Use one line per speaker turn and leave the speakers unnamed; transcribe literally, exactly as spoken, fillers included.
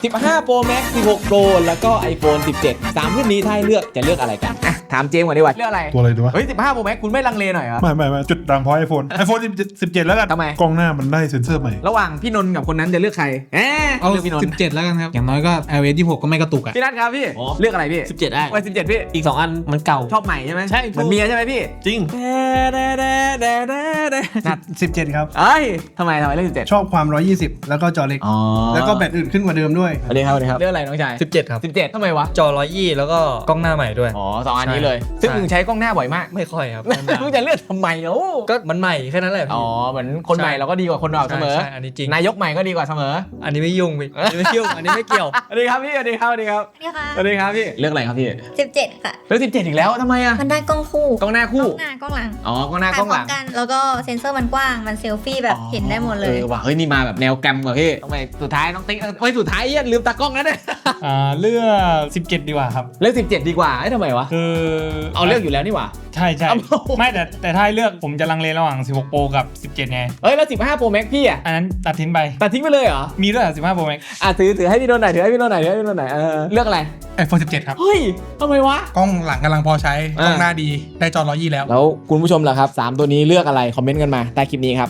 สิบห้า Pro Max สิบหก Pro แล้วก็ iPhone สิบเจ็ด สามรุ่นนี้ถ้าให้เลือกจะเลือกอะไรกันอ่ะถามเจมส์ก่อนดีกว่าเลือกอะไร
ตัวอะไรดีวะ
เฮ้ยสิบห้า Pro Max คุณไม่ลังเลหน่อยเหรอ
ไม่ไม่ไม่จุดดังเพราะไอโฟนไอโฟนสิบเจ็ดแล้วกัน
ทำไม
กล้องหน้ามันได้เซ็นเซอร์ใหม่
ระหว่างพี่นนท์กับคนนั้นจะเลือกใครเอ๊ะ
เอา
เลือกพี่นนท์
สิบเจ็ดแล้วกันครับอย่างน้อยก็ ไอ โอ เอส ยี่สิบหกก็ไม่กระตุกอ่ะ
พี่นัทครับพี่
อ๋อ
เลือกอะไรพี่
สิบเจ็ดได้
ไว้สิบเจ็ดพี่
อีกสองอันมันเก่า
ชอบใหม่ใช่ไหม
ใช่
เหมือนเมียใช่ไหมพี่
จริง
นัด
สิบเจ็ดครับ
เอ้ยทำไมทำไมเลือกสิบเจ็ด
ชอบความหนึ่งร้อยยี่สิบแล้วก็จอเล็ก
อ๋อ
แล้วก็แบตอื่นขึ้นกว่าเดิมด้วย
สวัสดีครับสวัสดีครับเลือกอะไรน้องชาย
สิบเจ็ดครับ
สิบเจ็ดทำไมวะ
จอร้อยยี่แล้วก็กล้องหน้าใหม่ด้วย
อ๋อสองอันนี้เลย
ใช่
ซึ่งมึงใช้กล้องหน้าบ่อยมาก
ไม่ค่อยครับ
มึงจะเลือกทำไมเอ้า
ก็มันใหม่แค่นั้นแหละ
อ๋
พี่
อเหมือนคนใหม่เราก็ดีกว่าคนเก่าเสมอ
ใช่ใช่อันนี้จริง
นายกใหม่ก็ดีกว่าเสมอ
อันนี้ไม่ยุ่งพี่อันนี้ไม่ยุ่งอันนี้ไม่เกี่ยว
สวัสดีครับพี่สวัสดีครับสวัสดีครับ
นี่ค่ะ
สวัสดีครับพี่เลือกอะไรครับพี่
สิบเจ็ดค่ะ
เลือกสิบเจ็ดอีกแล้วทำไมอ่ะ
มันได้กล้องคู่
กล้องหน้าคู่
กล้องหน้ากล้องหลัง
อ๋อกล้องหน้ากล้องหลัง
ถ่ายพร้มกัน แล้วก็เซ็นเซอร์มันกว้าง มันเซลฟี่แบบเห็นได้หมดเลย
ออว่ะเฮ้ยนี่มาแบบแนวแกรมว่ะพี่ทำไมสุดท้ายน้องติ๊กเอ้ยสุดท้ายเหี้ยลืมตากล้องแล้วเนี่ย
อ่าเลือกสิบเจ็ดดีกว่าครับ
เลือกสิบเจ็ดดีกว่าเอ้ยทำไมวะ
คือ
เอาเลือกอยู่แล้วนี่หว่า
ใช่ใช่
เอา
ไม่แต่แต่ถ้าให้เลือกผมจะลังเลระหว่างสิบหก Pro กับสิบเจ็ดไง
เอ้ยแล้วสิบห้า Pro Max พี่อ่ะ
อันนั้นตัดทิ้งไป
ตัดทิ้งไปเลยเหรอ
มีด้วยเหรอสิบห้า Pro Max
อ่ะถือถือให้พี่โดนหน่อยถือให้พี่โดนหน่อยถือให้พี่โดนหน่อยเออเลือกอะไร
ไอโฟนสิบเจ็ดครับ
เฮ้ยทำไมวะ
กล้องหลังกำลังพอใช้
อ่า
กล้องหน้าดี ได้จอร้อยยี่แล้ว
แล้วคุณผู้ชมล่ะครับสามตัวนี้เลือกอะไรคอมเมนต์กันมาใต้คลิปนี้ครับ